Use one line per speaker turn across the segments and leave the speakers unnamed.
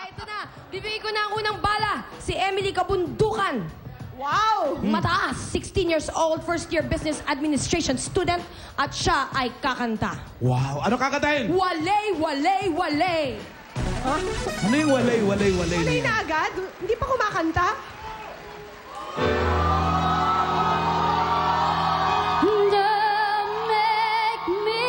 Kaya ito na, bibigay ko na ang unang bala. Si Emily Kabundukan.
Wow!
Mataas, 16 years old, first-year business administration student, at siya ay kakanta.
Wow. Ano kakatayin?
Walay, walay, walay.
Ano yung walay?
Walay na agad? Hindi pa kumakanta?
Don't make me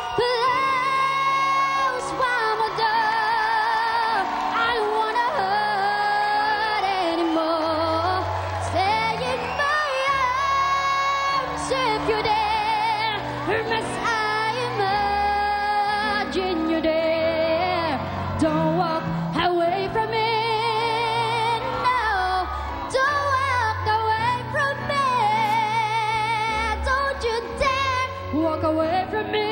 close while my door. I don't wanna hurt anymore. Stay in my arms if you're there. Unless I imagine you're there. Don't walk away from me. No, don't walk away from me. Don't you dare walk away from me.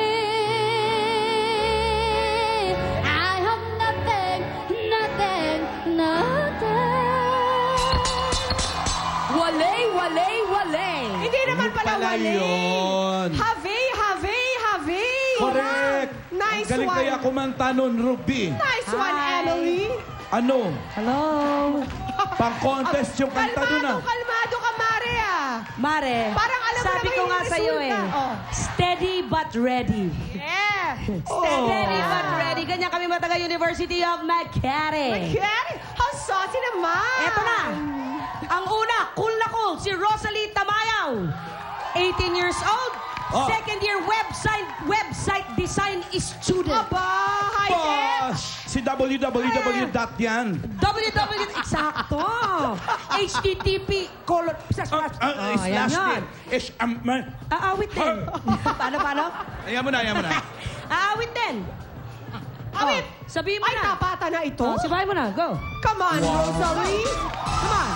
I have nothing, nothing, nothing.
Walay, walay, walay.
Hindi naman pala walay.
yun.
Have.
Correct.
Nice
Ang galing
one.
kaya kumanta nun, Ruby.
Nice one,
Hi.
Emily.
Ano?
Hello.
Pang-contest yung kanta dun ah.
Kalmado ka, Mare, ah.
Mare,
Parang alam mo
sabi
naman
ko
yung
nga sa'yo
resulta.
eh,
Oh.
steady but ready.
Yeah.
Steady but ready. Ganyan kami mataga University of Makati.
Okay. How saucy naman.
Eto na. Ang una, cool na cool, si Rosalie Tamayaw. 18 years old,
Oh.
second year website design student.
Aba, high-tech.
Si www. yan.
Eksakto. HTTP colon.
Slash
yan.
din.
Aawit din. Paano?
Ayan mo na.
Aawit din.
Awit.
Sabihin mo
Ay,
na.
tapata na ito.
Oh, sabahin mo na. Go.
Come on, Rosalie.
Come on.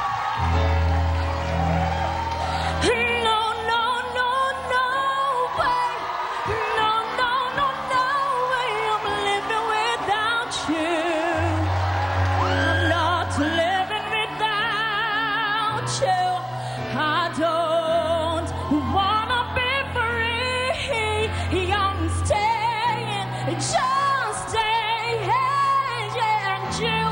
No, no, no, no way. No, no, no, no way. I'm living without you. I'm not living without you. I don't wanna be free. I'm staying, just staying, and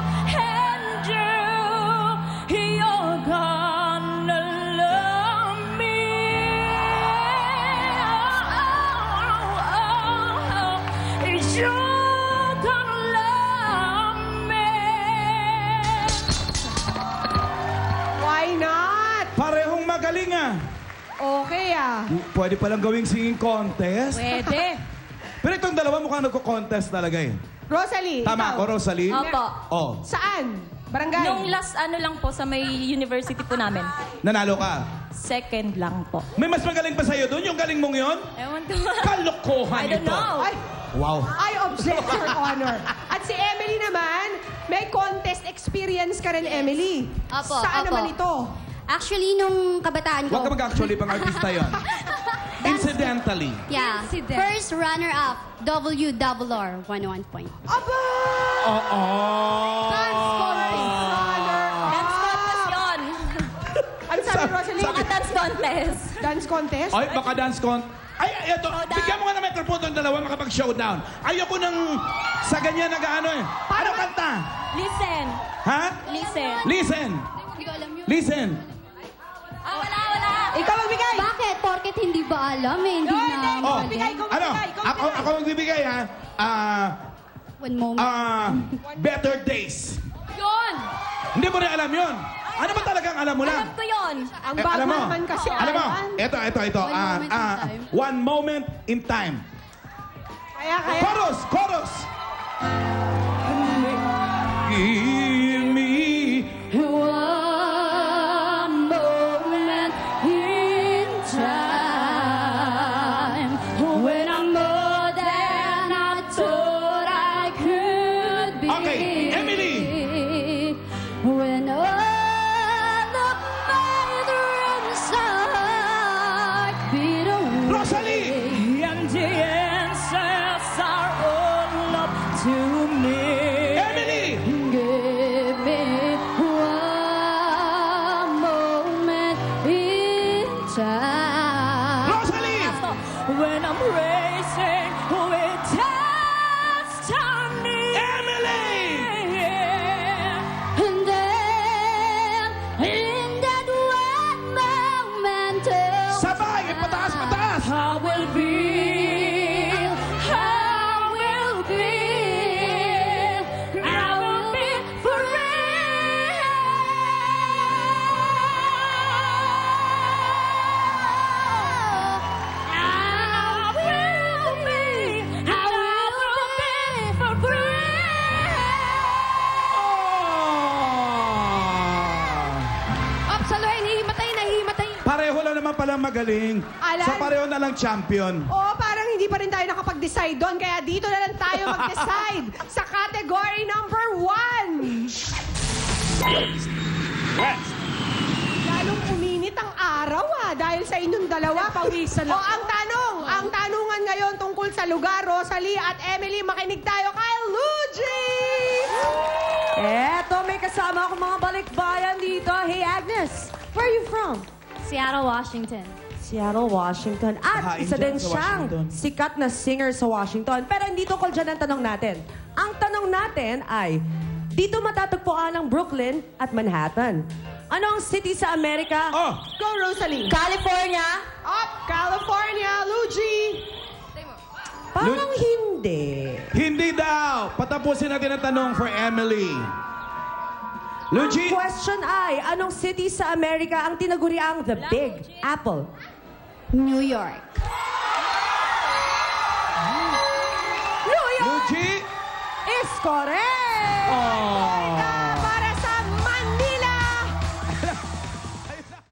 you're gonna love me. You're gonna love me.
Why not?
Parehong magaling ah.
Okay, ah.
Pwede palang gawing singing contest.
Pwede.
Pero itong dalawa mukhang nagko-contest talaga eh.
Rosalie,
Tama
ikaw.
ako, Rosalie?
Opo.
Oh,
Saan? Barangay?
Nung last ano lang po sa may university po namin.
nanalo ka.
Second lang po.
May mas magaling pa sa'yo doon? Yung galing mong yon?
Ewan ko.
Kalokohan
I don't
ito.
know.
Ay,
Wow.
I object, Your Honor. At si Emily naman, may contest experience ka rin, Emily.
Apo,
Saan
apo.
naman ito?
Actually, nung kabataan ko...
Huwag ka mag-actually pang artista yon. Incidentally.
Yeah.
Incident.
First runner-up, WRR, 101 point.
Aba!
Oo.
Dance
Dance contest yun.
Ano sabi, Rosalie?
Mga dance contest.
Dance contest?
Ay, baka dance ito. Bigyan mo nga ng microphone ng dalawa makapag-showdown. Ayoko nang sa ganyan nag-ano eh. Ano kanta?
Listen.
Ha?
Listen.
Listen.
Hindi ko alam yun.
Listen.
Wala.
Ikaw magbigay.
Bakit? Porket hindi ba alam eh? Hindi na
Oh,
magaling.
ano? Ako magbibigay ha.
One moment.
Better Days.
Yun.
Hindi mo rin alam yun. Ano ba talagang alam mo lang?
Alam ko yun.
Ang
alam mo.
Batman kasi.
Alam mo.
Alan.
Ito.
One moment in
One moment in time.
time.
Kaya.
Chorus. Give me
One moment in time when I'm more than I thought I could be.
Okay, Emily.
When all of my dreams are beat away.
Rosalie.
And the answers are all up to me.
Emily.
Give me one moment in time.
Rosalie.
When I'm racing with destiny.
Emily.
I will feel, I will feel, I will be
Ops, alo, nahihimatay.
Pareho lang naman palang magaling.
Alan?
Sa pareho na lang champion.
Oo, parang hindi pa rin tayo nakapag-decide doon. Kaya dito na lang tayo mag-decide sa category number 1. Lalong uminit ang araw dahil sa inyong dalawa.
Pawisan
O, ang tanungan ngayon tungkol sa lugar, Rosalie at Emily, makinig tayo kay Luigi!
Eto, may kasama akong mga balikbayan dito. Hey, Agnes, where are you from?
Seattle, Washington.
Seattle, Washington. At
Kain
isa
dyan
din
sa
siyang
Washington.
sikat na singer sa Washington. Pero hindi tungkol dyan ang tanong natin. Ang tanong natin ay, dito matatagpuan ang Brooklyn at Manhattan. Ano ang city sa Amerika?
Oh!
Go, Rosalie!
California?
Up, California, Luigi!
Parang hindi.
Hindi daw! Patapusin natin ang tanong for Emily. Luigi!
Ang question ay, anong city sa Amerika ang tinaguriang The Big Apple?
New York.
New York
Luigi!
is correct!
Oh!